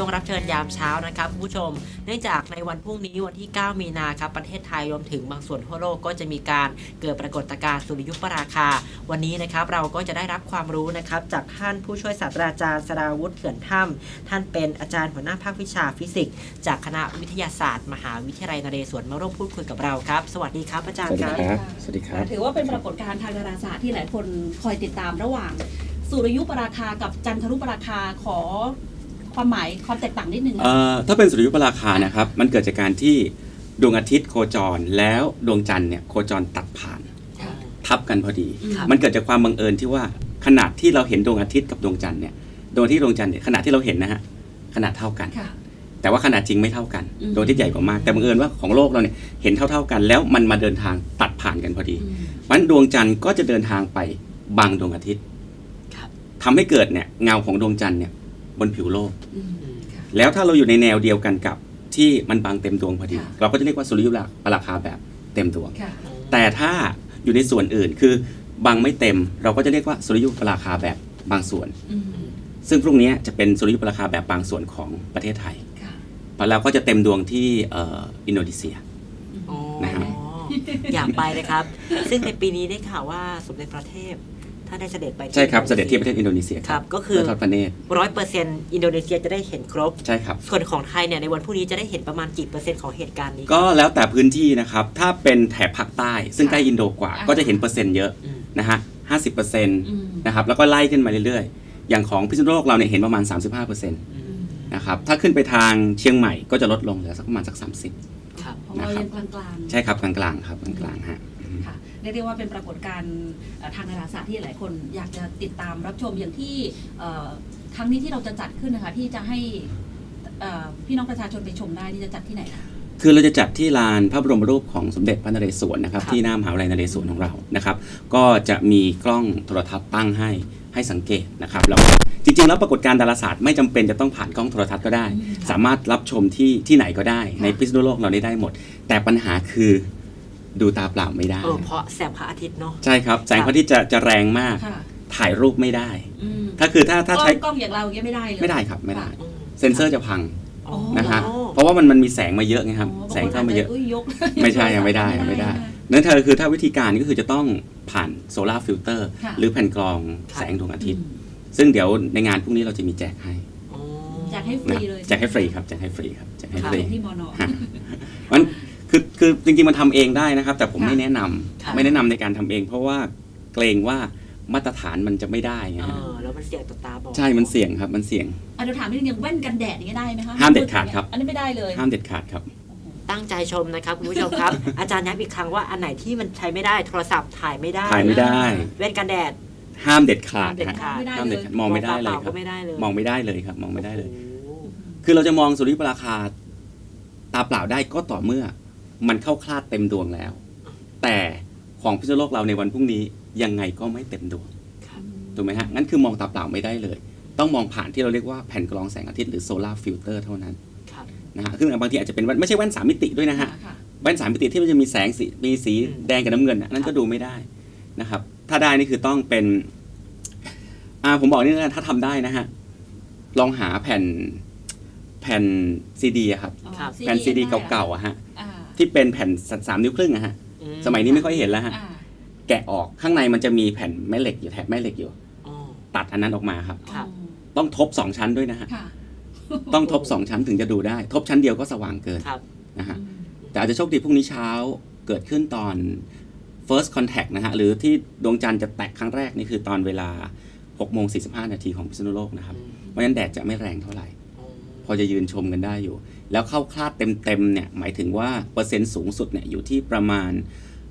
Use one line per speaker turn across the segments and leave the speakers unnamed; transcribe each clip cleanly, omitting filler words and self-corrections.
ช่วงรับเชิญยามเช้านะครับคุณผู้ชมเนื่องจากในวันพรุ่งนี้วันที่ 9 มีนาครับประเทศไทยรวมถึงบางส่วนทั่วโลกก็จะมีการเกิดปรากฏการณ์สุริยุปราคาวันนี้นะครับเราก็จะได้รับความรู้นะครับจากท่านผู้ช่วยศาสตราจารย์สราวุฒิเขื่อนถ้ำท่านเป็นอาจารย์หัวหน้าภาควิชาฟิสิกส์จากคณะวิทยาศาสตร์มหาวิทยาลัยนเรศวรมาร่วมพูดคุยกับเราครับสวัสดีครับอาจารย์ครับ
สวัสดีครับ
ถือว่าเป็นปรากฏการณ์ทางดาราศาสตร์ที่หลายคนคอยติดตามระหว่างสุริยุปราคากับจันทรุปราคาขอความหมายความแตกต่างนิดนึงนะ
ถ้าเป็นสุริยุปราคานะครับมันเกิดจากการที่ดวงอาทิตย์โคจรแล้วดวงจันทร์เนี่ยโคจรตัดผ่านทับกันพอดีมันเกิดจากความบังเอิญที่ว่าขนาดที่เราเห็นดวงอาทิตย์กับดวงจันทร์เนี่ยดวงอาทิตย์ดวงจันทร์เนี่ยขนาดที่เราเห็นนะฮะขนาดเท่ากันแต่ว่าขนาดจริงไม่เท่ากันดวงอาทิตย์ใหญ่กว่ามากแต่บังเอิญว่าของโลกเราเนี่ยเห็นเท่ากันแล้วมันมาเดินทางตัดผ่านกันพอดีเพราะฉะนั้นดวงจันทร์ก็จะเดินทางไปบังดวงอาทิตย์ทำให้เกิดเนี่ยเงาของดวงจันทร์เนี่ยบนผิวโลกแล้วถ้าเราอยู่ในแนวเดียวกันกับที่มันบังเต็มดวงพอดีเราก็จะเรียกว่าสุริยุปราคาแบบเต็มดวงแต่ถ้าอยู่ในส่วนอื่นคือบังไม่เต็มเราก็จะเรียกว่าสุริยุปราคาแบบบางส่วนซึ่งพรุ่งนี้จะเป็นสุริยุปราคาแบบบางส่วนของประเทศไทยเราก็จะเต็มดวงที่อินโดนีเซียนะครับ
อยากไปเลยครับซึ่งในปีนี้ได้ข่าวว่าสมเด็จพระเทพท่านได้เสด็จไป
ใช่ครับเสด็จที่ประเทศอินโดนีเซีย
ครับก็คือ
ทอดพระเนตร
100%อินโดนีเซียจะได้เห็นครบ
ใช่ครับ
ส่วนของไทยเนี่ยในวันพรุ่งนี้จะได้เห็นประมาณกี่เปอร์เซ็นต์ของเหตุการณ์นี้
ก็แล้วแต่พื้นที่นะครับถ้าเป็นแถบภาคใต้ซึ่งใกล้อินโดกว่าก็จะเห็นเปอร์เซ็นต์เยอะนะฮะ 50% นะครับแล้วก็ไล่ขึ้นมาเรื่อยๆอย่างของพิษณุโลกเราเนี่ยเห็นประมาณ 35%นะครับถ้าขึ้นไปทางเชียงใหม่ก็จะลดลงเหลือสักประมาณสัก30
ครับของเรายังกลาง
ๆใช่ครับกลางๆครับกลางๆฮะ
ค่ะเรียกได้ว่าเป็นปรากฏการณ์ทางดาราศาสตร์ที่หลายคนอยากจะติดตามรับชมอย่างที่ครั้งนี้ที่เราจะจัดขึ้นนะคะที่จะให้พี่น้องประชาชนไปชมได้ที่จะจัดที่ไหนคะ
คือเราจะจัดที่ลานพระบรมรูปของสมเด็จพระนเรศวรนะครับที่หน้ามหาวิทยาลัยนเรศวรของเรานะครับก็จะมีกล้องโทรทัศน์ตั้งให้สังเกตนะครับแล้วจริงๆแล้วปรากฏการณ์ดาราศาสตร์ไม่จำเป็นจะต้องผ่านกล้องโทรทัศน์ก็ได้สามารถรับชมที่ไหนก็ได้ในพิษณุโลกเราได้หมดแต่ปัญหาคือดูตาเปล่าไม่ได้
เพราะแสงพระอาทิตย์เนาะ
ใช่ครับแสงพระอาทิตย์จะแรงมากถ่ายรูปไม่ได้ถ้าใช้
กล้องอย่างเราอย่างเงี้ยไม่ได้เลย
ไม่ได้ครับไม่ได้เซ็นเซอร์จะพังนะฮะเพราะว่ามันมีแสงมาเยอะไงครับแสงเข้ามาเยอะไม่ใช่ยังไม่ได้นั่นคือถ้าวิธีการก็คือจะต้องผ่านโซลาร์ฟิลเตอร์หรือแผ่นกรองแสงดวงอาทิตย์ซึ่งเดี๋ยวในงานพรุ่งนี้เราจะมีแจกให้
แจกให้ฟรีเลย
แจกให้ฟรีครับแจกให้ฟรีครับแจกให้ฟรี
ที่มน.
มันคือจริงๆมันทำเองได้นะครับแต่ผมไม่แนะนำในการทำเองเพราะว่าเกรงว่ามาตรฐานมันจะไม่ได้ไง
แล้วมันเสี่ยงต่อตาบอด
ใช่มันเสี่ยงครับมันเสี่ยง
เดี๋ยวถามนิดนึงอย่างแว่นกันแดดนี่ได้ไหมคะ
ห้ามเด็ดขาดครับ
อันนี้ไม่ได้เลย
ห้ามเด็ดขาดครับ
ตั้งใจชมนะครับคุณผู้ชมครับ อาจารย์ย้ำอีกครั้งว่าอันไหนที่มันใช้ไม่ได้โทรศัพท์ถ่ายไม่ได้แว่นกันแดด
ห้ามเด็ดขาด
ห้ามเด็ด
ขาดมองไม่ได้เลยครับมองไม่ได้เลยครับมองไม่ได้เลย คือเราจะมองสุริยุปราคาตาเปล่าได้ก็ต่อเมื่อมันเข้าคลาดเต็มดวงแล้วแต่ของพิษณุโลกเราในวันพรุ่งนี้ยังไงก็ไม่เต็มดวงถูกไหมฮะงั้นคือมองตาเปล่าไม่ได้เลยต้องมองผ่านที่เราเรียกว่าแผ่นกรองแสงอาทิตย์หรือโซลาร์ฟิลเตอร์เท่านั้นนะฮะซึ่งบางทีอาจจะเป็นไม่ใช่แว่น3มิติด้วยนะฮะแว่น3มิติที่มันจะมีแสงมีสีแดงกับน้ำเงินนั่นก็ดูไม่ได้นะครับถ้าได้นี่คือต้องเป็นผมบอกนี่นะถ้าทำได้นะฮะลองหาแผ่นซีดีครับแผ่นซีดีเก่าๆอะฮะที่เป็นแผ่น3 นิ้วครึ่งอะฮะสมัยนี้ไม่ค่อยเห็นแล้วฮะแกะออกข้างในมันจะมีแผ่นแม่เหล็กอยู่แถบแม่เหล็กอยู่ตัดอันนั้นออกมาครับต้องทบ2ชั้นด้วยนะฮะต้องทบ2ชั้นถึงจะดูได้ทบชั้นเดียวก็สว่างเกินนะฮะแต่อาจจะโชคดีพรุ่งนี้เช้าเกิดขึ้นตอน first contact นะฮะหรือที่ดวงจันทร์จะแตกครั้งแรกนี่คือตอนเวลา 6:45 นาทีของพิษณุโลกนะครับเพราะฉะนั้นแดดจะไม่แรงเท่าไหร่พอจะยืนชมกันได้อยู่แล้วเข้าคลาดเต็มๆเนี่ยหมายถึงว่าเปอร์เซ็นต์สูงสุดเนี่ยอยู่ที่ประมาณ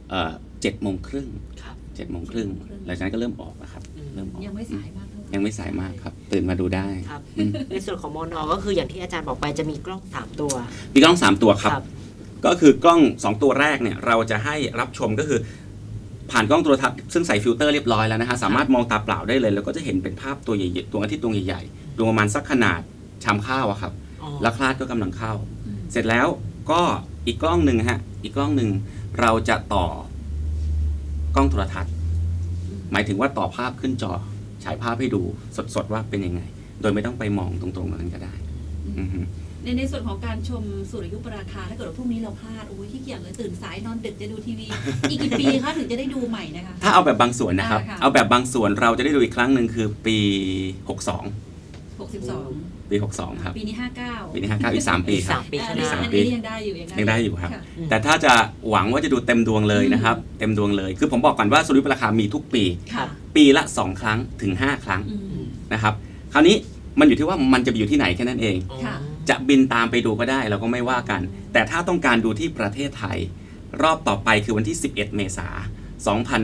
7:30หลังจากนั้นก็เริ่มออกแล้วครับเริ่มออก
ยังไม่สายมาก
ยังไม่สายมากครับตื่นมาดูได้
ครับในส่วนของมน.ก็คืออย่างที่อาจารย์บอกไปจะมีกล้อง3ตัว
มีกล้อง3ตัวครับก็คือกล้อง2ตัวแรกเนี่ยเราจะให้รับชมก็คือผ่านกล้องโทรทัศน์ซึ่งใส่ฟิลเตอร์เรียบร้อยแล้วนะฮะสามารถมองตาเปล่าได้เลยแล้วก็จะเห็นเป็นภาพตัวใหญ่ๆดวงอาทิตย์ดวงใหญ่ๆดวงประมาณสักขนาดชามข้าวอะครับแล้วคลาดก็กำลังเข้าเสร็จแล้วก็อีกกล้องหนึ่งฮะอีกกล้องหนึ่งเราจะต่อกล้องโทรทัศน์หมายถึงว่าต่อภาพขึ้นจอฉายภาพให้ดูสดๆว่าเป็นยังไงโดยไม่ต้องไปมองตรงๆนั้นก็ได้อือฮึ
ในส่วนของการชมสุริยุปราคาถ้าเกิดว่าพรุ่งนี้เราพลาดโอ้ยขี้เกียจเลยตื่นสายนอนดึกจะดูทีวี อีกกี่ปีคะถึงจะได้ดูใหม่นะคะ
ถ้าเอาแบบบางส่วนนะครับ
ค่ะ
เอาแบบบางส่วนเราจะได้ดูอีกครั้งหนึ่งคือปี
62
ปี 62 ครับ
ปีนี้ 59
ปีนี้59อีก 3 ปี
อีก
ครับ
3 ปีข้างห
อั
น้า
นนี้ยังได้อยู่
ยังได้อยู่ครับ
ะ
แต่ถ้าจะหวังว่าจะดูเต็มดวงเลยนะครับ เต็มดวงเลย คือผมบอกก่อนว่าสุริยุปราคามีทุกปี
ค่ะ
ปีละ 2 ครั้งถึง 5 ครั้ง
อืม
นะครับ คราวนี้มันอยู่ที่ว่ามันจะไปอยู่ที่ไหนแค่นั้นเอง
ค่ะ
จะบินตามไปดูก็ได้เราก็ไม่ว่ากัน แต่ถ้าต้องการดูที่ประเทศไทย รอบต่อไปคือวันที่ 11 เมษายน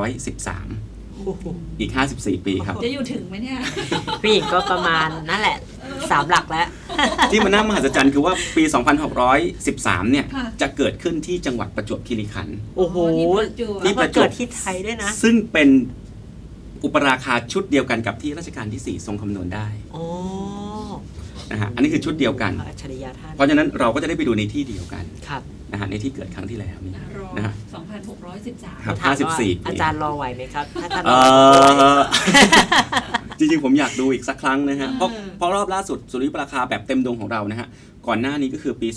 2613 อีก 54 ปีครับ
จะอยู่ถึงไหมเนี่ย
พี่หญิงก็ประมาณนั่นแหละ 3 หลักแล้ว
ที่มันน่ามหัศจรรย์คือว่าปี 2613 เนี่ย
ค่ะ
จะเกิดขึ้นที่จังหวัดประจวบคีรีขันธ์
โอ้โห
ที่ประจวบ
แล้วมาเกิดที่ไทยด้วยนะ
ซึ่งเป็นอุปราคาชุดเดียวกันกับที่รัชกาลที่ 4 ทรงคำนวณได้
โอ้
นะฮะอันนี้คือชุดเดียวกัน
อัจฉริยะท่าน
เพราะฉะนั้นเราก็จะได้ไปดูในที่เดียวกัน
ครับ
นะฮะในที่เกิดครั้งที่แล้วนี่
รอ
นะฮะ
2,613
ครับ
ถามว่า
54 ปี
อาจารย์รอไหวไหมครับ ถ้าท่านร
เอ่
อ
อ จริงๆ ผมอยากดูอีกสักครั้งนะฮะ
เออ
เพราะรอบล่าสุดสุริยุปราคาแบบเต็มดวงของเรานะฮะ ก่อนหน้านี้ก็คือปี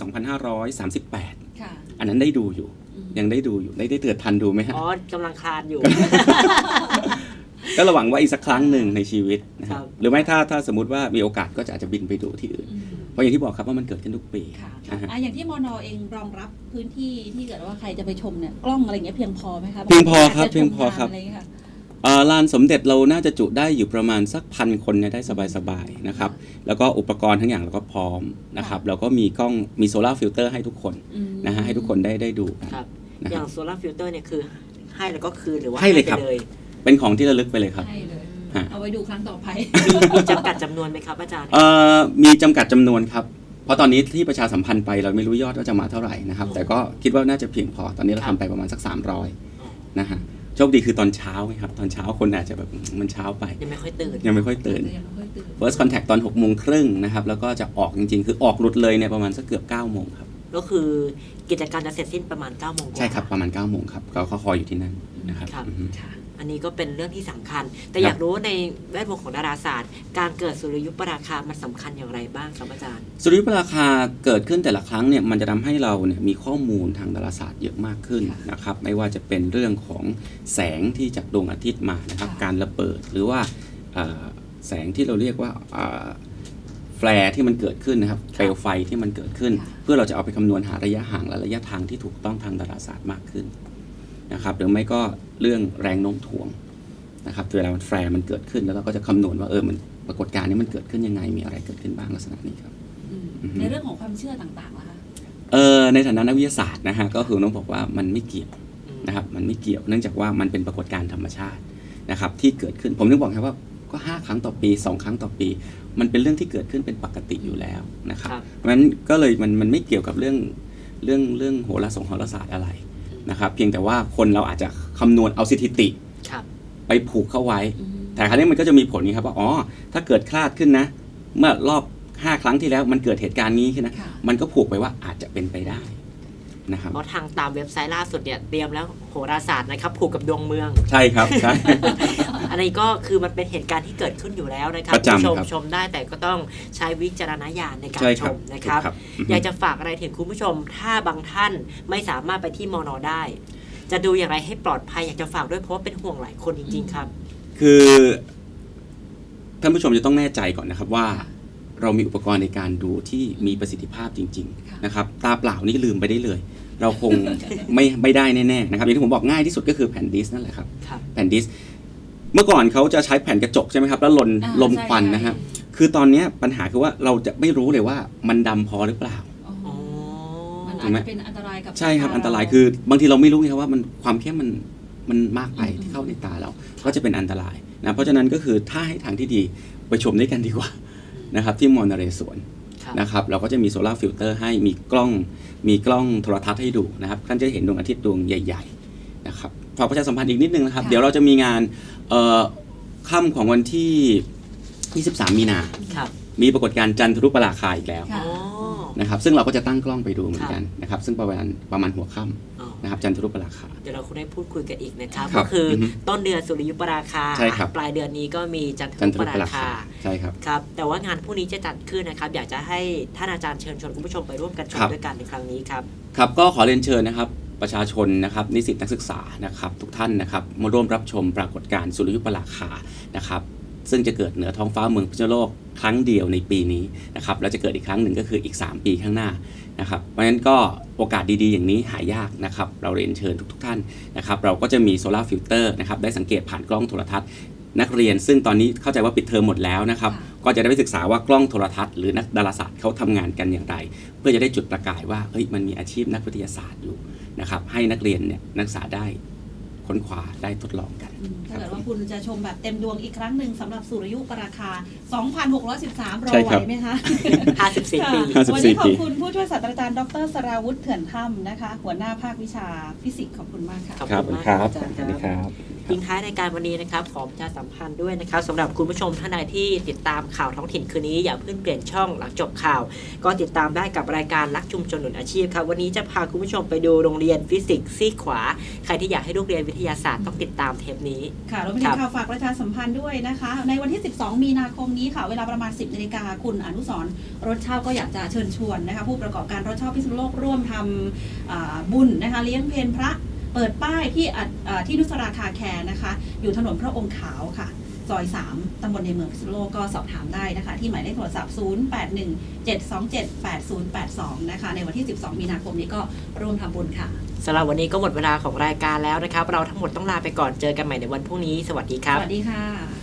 2538
ค่ะ
อันนั้นได้ดูอยู่ ยังได้ดูอยู่ ได้เตือนทันดูไหมฮะ
อ๋อกำลังคลานอยู่
ก็ระหวังว่าอีกสักครั้งหนึ่งในชีวิตนะค
ครั
รับ
บ
หรือไม่ถ้าสมมติว่ามีโอกาสก็จะอาจจะบินไปดูที่อื่น เพราะอย่างที่บอกครับว่ามันเกิดขึ้นทุกปี
ค่ะ
นะฮะ
อย่างที่มอนเองรองรับพื้นที่ที่เกิดว่าใครจะไปชมเนี่ยกล้องอะไรเงี้ยเพียงพอไหมคะ
เพียงพอครับ
าจจะชม
เพียงพอครับ
ะไเงี้ยะ
ลานสมเด็จเราน่าจะจุได้อยู่ประมาณสัก1,000 คนเนี่ยได้สบายๆนะครับ แล้วก็อุปกรณ์ทั้งอย่างเราก็พร้อมนะครับ แล้วก็มีกล้องมีโซลาร์ฟิลเตอร์ให้ทุกคน
อืม
นะฮะให้ทุกคนได้ดูกัน
ครับ
นะ
อย่าง
ฮะ
โซลาร์ฟิลเตอร์เนี่ยคือให้แล้วก็คืนหรือว่า
ให้เลยครับ
ไปเลย
เป็นของที่ระลึกไปเลยครับ
ให้เลย
ฮะ
เอาไว้ดูครั้งต่อไป
มีจำกัดจำนวนไหมครับอาจารย์
มีจำกัดจำนวนครับ เพราะตอนนี้ที่ประชาสัมพันธ์ไปเราไม่รู้ยอดว่าจะมาเท่าไหร่นะครับ แต่ก็คิดว่าน่าจะเพียงพอ ตอนนี้เราทำไปประมาณสัก 300นะฮะ โชคดีคือตอนเช้าไงครับ ตอนเช้าคนอาจจะแบบมันเช้าไป
ยังไม่ค่อยตื่น
ยังไม่ค่อยตื่น
ยังไม่ค่อยตื่น
First Contact ตอน 6:30 นะครับ แล้วก็จะออกจริงๆ คือออกหลุดเลยเนี่ยประมาณสักเกือบ 9 โมงครับ
ก็คือกิจการจะเสร็จสิ้นประมาณ 9 โมงกว่า
ใช่ครับ ประมาณ 9 โมงครับเขาคอยอยู่ที่นั่นนะครับ
ครับ
อือฮึ
ค่ะ
อันนี้ก็เป็นเรื่องที่สำคัญ แต่
ครับ
อยากรู้ว่าในแวดวงของดาราศาสตร์ การเกิดสุริยุปราคามันสำคัญอย่างไรบ้างครับอาจารย์
สุริยุปราคาเกิดขึ้นแต่ละครั้งเนี่ยมันจะทำให้เราเนี่ยมีข้อมูลทางดาราศาสตร์เยอะมากขึ้น
ค่ะ
นะครับไม่ว่าจะเป็นเรื่องของแสงที่จากดวงอาทิตย์มานะครับ
ค่ะ
การระเบิดหรือว่าแสงที่เราเรียกว่าแฟร์ที่มันเกิดขึ้นนะครับเปลวไฟที่มันเกิดขึ้น เพื่อเราจะเอาไปคำนวณหาระยะห่างและระยะทางที่ถูกต้องทางดาราศาสตร์มากขึ้นนะครับหรือไม่ก็เรื่องแรงโน้มถ่วงนะครับเวลามันแฟร์มันเกิดขึ้นแล้วเราก็จะคำนวณว่ามันปรากฏการณ์นี้มันเกิดขึ้นยังไงมีอะไรเกิดขึ้นบ้างลักษณะนี้ครับ
อืม
อือฮึ
ในเรื่องของความเชื่อต่างๆล่ะคะ
ในฐานะนักวิทยาศาสตร์นะฮะก็คือต้องบอกว่ามันไม่เกี่ยวนะครับมันไม่เกี่ยวเนื่องจากว่ามันเป็นปรากฏการณ์ธรรมชาตินะครับที่เกิดขึ้นผมถึงบอกครับว่าก็5 ครั้งต่อปี 2 ครั้งต่อปี มันเป็นเรื่องที่เกิดขึ้นเป็นปกติอยู่แล้วนะครับ
ครับ
เพราะฉะนั้นก็เลยมันไม่เกี่ยวกับเรื่องโหราศาสตร์อะไรนะครับเพียงแต่ว่าคนเราอาจจะคำนวณเอาสถิติ
ครับ
ไปผูกเข้าไว้
อืม
แต่ครั้งนี้มันก็จะมีผลนี้ครับว่าถ้าเกิดคลาดขึ้นนะเมื่อรอบ5 ครั้งที่แล้วมันเกิดเหตุการณ์นี้ขึ้นนะ
ค่ะ
มันก็ผูกไปว่าอาจจะเป็นไปได้นะครับ
เพราะทางตามเว็บไซต์ล่าสุดเนี่ยเตรียมแล้วโหราศาสตร์นะครับผูกกับดวงเมือง
ใช่ครับใช่
อันนี้ก็คือมันเป็นเหตุการณ์ที่เกิดขึ้นอยู่แล้วนะครับ
ประจำ
ชม
ครับ
ชมได้แต่ก็ต้องใช้วิจารณญาณในการ
ใช่
ช
ครับ
มนะครับ
ถูกครับอือฮึ
อยากจะฝากอะไรถึงคุณผู้ชม ถ้าบางท่านไม่สามารถไปที่มอนอได้ จะดูอย่างไรให้ปลอดภัยอยากจะฝากด้วยเพราะว่าเป็นห่วงหลายคนจริง ๆ ครับ
คือท่านผู้ชมจะต้องแน่ใจก่อนนะครับว่า เรามีอุปกรณ์ในการดูที่มีประสิทธิภาพจริง
ค่ะ
ๆนะครับตาเปล่านี่ลืมไปได้เลย เราคง ไม่ได้แน่ๆนะครับอย่างที่ผมบอกง่ายที่สุดก็คือแผ่นดิสก์นั่นแหละครับ
ครับ
แผ่นดิสก์เมื่อก่อนเขาจะใช้แผ่นกระจกใช่ไหมครับแล้วล
อ่า
ลม
ใช่
ควัน
ใช่
นะฮะคือตอนเนี้ยปัญหาคือว่าเราจะไม่รู้เลยว่ามันดำพอหรือเปล่า
อ๋อ
อ๋อ
มัน
ถู
อาจ
กไหม
จะเป็นอันตรายกับ
ใช่ครับ
ตา
อันตราย
เ
คือบางทีเราไม่รู้ไงครับว่ามันความเข้มมันมากไป
อืม
ที่เข้าในตาเรา ก็จะเป็นอันตรายนะเพราะฉะนั้นก็คือถ้าให้ทางที่ดีไปชมด้วยกันดีกว่านะครับที่มอญนเรศวร
ครับ
นะครับเราก็จะมีโซลาร์ฟิลเตอร์ให้มีกล้องโทรทัศน์ให้ดูนะครับท่านจะเห็นดวงอาทิตย์ดวงใหญ่ๆนะครับฝากประชาสัมพันธ์อีกนิดนึงนะครับ
ค่ะ
เดี๋ยวเราจะมีงานค่ำของวันที่ 23 มีนา
ครับ
มีปรากฏการณ์จันทรุปราคาอีกแล้ว
ค่ะ
อ๋อ
นะครับซึ่งเราก็จะตั้งกล้องไปดูเหมือนกันนะครับซึ่งประมาณหัวค่
อ๋อ
ำนะครับจันทรุปราคา
เดี๋ยวเราคงได้พูดคุยกันอีกนะครับ
ครั
ก็
บ
คืออ
อฮึ
ต้นเดือนสุริยุปราคา
ใช่ครับ
ปลายเดือนนี้ก็มีจันท
จัน
รุ
ท
ป
รุป
รา
รา
คา
คาใช่ครับ
ครับแต่ว่างานพวกนี้จะจัดขึ้นนะครับอยากจะให้ท่านอาจารย์เชิญชวนคุณผู้ชมไปร่วมกันชม
ครับ
ด้วยกันในครั้งนี้ครับ
ครับก็ขอเรียนเชิญนะครับประชาชนนะครับนิสิตนักศึกษานะครับทุกท่านนะครับมาร่วมรับชมปรากฏการณ์สุริยุปราคานะครับซึ่งจะเกิดเหนือท้องฟ้าเมืองพิษณุโลกครั้งเดียวในปีนี้นะครับแล้วจะเกิดอีกครั้งหนึ่งก็คืออีก 3 ปีข้างหน้านะครับเพราะฉะนั้นก็โอกาสดีๆอย่างนี้หายากนะครับเราเรียนเชิญทุกท่านนะครับเราก็จะมีโซลาร์ฟิลเตอร์นะครับได้สังเกตผ่านกล้องโทรทัศน์นักเรียนซึ่งตอนนี้เข้าใจว่าปิดเทอมหมดแล้วนะครับก็จะได้ไปศึกษาว่ากล้องโทรทัศน์หรือนักดาราศาสตร์เขาทำงานกันอย่างไร เพื่อจะได้จุดประกายว่าเฮ้ยมันมีอาชีพนักวิทยาศาสตร์อยู่นะครับให้นักเรียนเนี่ยนักศึกษาได้ค้นคว้าได้ทดลองกัน
ถ้าเกิดว่าคุณจะชมแบบเต็มดวงอีกครั้งหนึ่งสำหรับสุริยุปราคา 2,613 รอ
ใช่
ไหว
ครับ
ไหมคะ
54 ปี
ค่ะ
54
วันนี้ขอบ
ปี
คุณผู้ช่วยศาสตราจารย์ดรสราวุฒิเถื่อนถ้ำนะคะ หัวหน้าภาควิชาฟิสิกส์ขอบคุณมากค่ะ
ขอบ
ครับ
คุณมาก
ครับ
อาจารย์
สวัสดีครับ
ทิ้งท้ายรายการวันนี้นะครับขอประชาสัมพันธ์ด้วยนะครับสำหรับคุณผู้ชมท่านใดที่ติดตามข่าวท้องถิ่นคืนนี้อย่าเพิ่งเปลี่ยนช่องหลังจบข่าว ก็ติดตามได้กับรายการรักชุมชนหนุนอาชีพครับวันนี้จะพาคุณผู้ชมไปดูโรงเรียนฟิสิกส์ซีกขวาใครที่อยากให้ลูกเรียนวิทยาศาสตร์ต้องติดตามเทปนี้
ค่ะเราไปถึงข่าวฝากประชาสัมพันธ์ด้วยนะคะ ในวันที่ 12 มีนาคมนี้ค่ะ เวลาประมาณ 10 นาฬิกาคุณอนุสรณ์รถเช่าก็อยากจะเชิญชวนนะคะผู้ประกอบการรถเช่าพิษณุโลกร่วมทำบุญนะคะเลี้ยงเพลพระเปิดป้ายที่นุสราคาแคร์นะคะ อยู่ถนนพระองค์ขาวค่ะ ซอย 3 ตำบลในเมืองพิษณุโลกก็สอบถามได้นะคะ ที่หมายเลขโทรศัพท์ 0817278082 นะคะ ในวันที่ 12 มีนาคมนี้ก็ร่วมทำบุญค่ะ
สำหรับวันนี้ก็หมดเวลาของรายการแล้วนะครับ เราทั้งหมดต้องลาไปก่อนเจอกันใหม่ในวันพรุ่งนี้สวัสดีครับ
สวัสดีค่ะ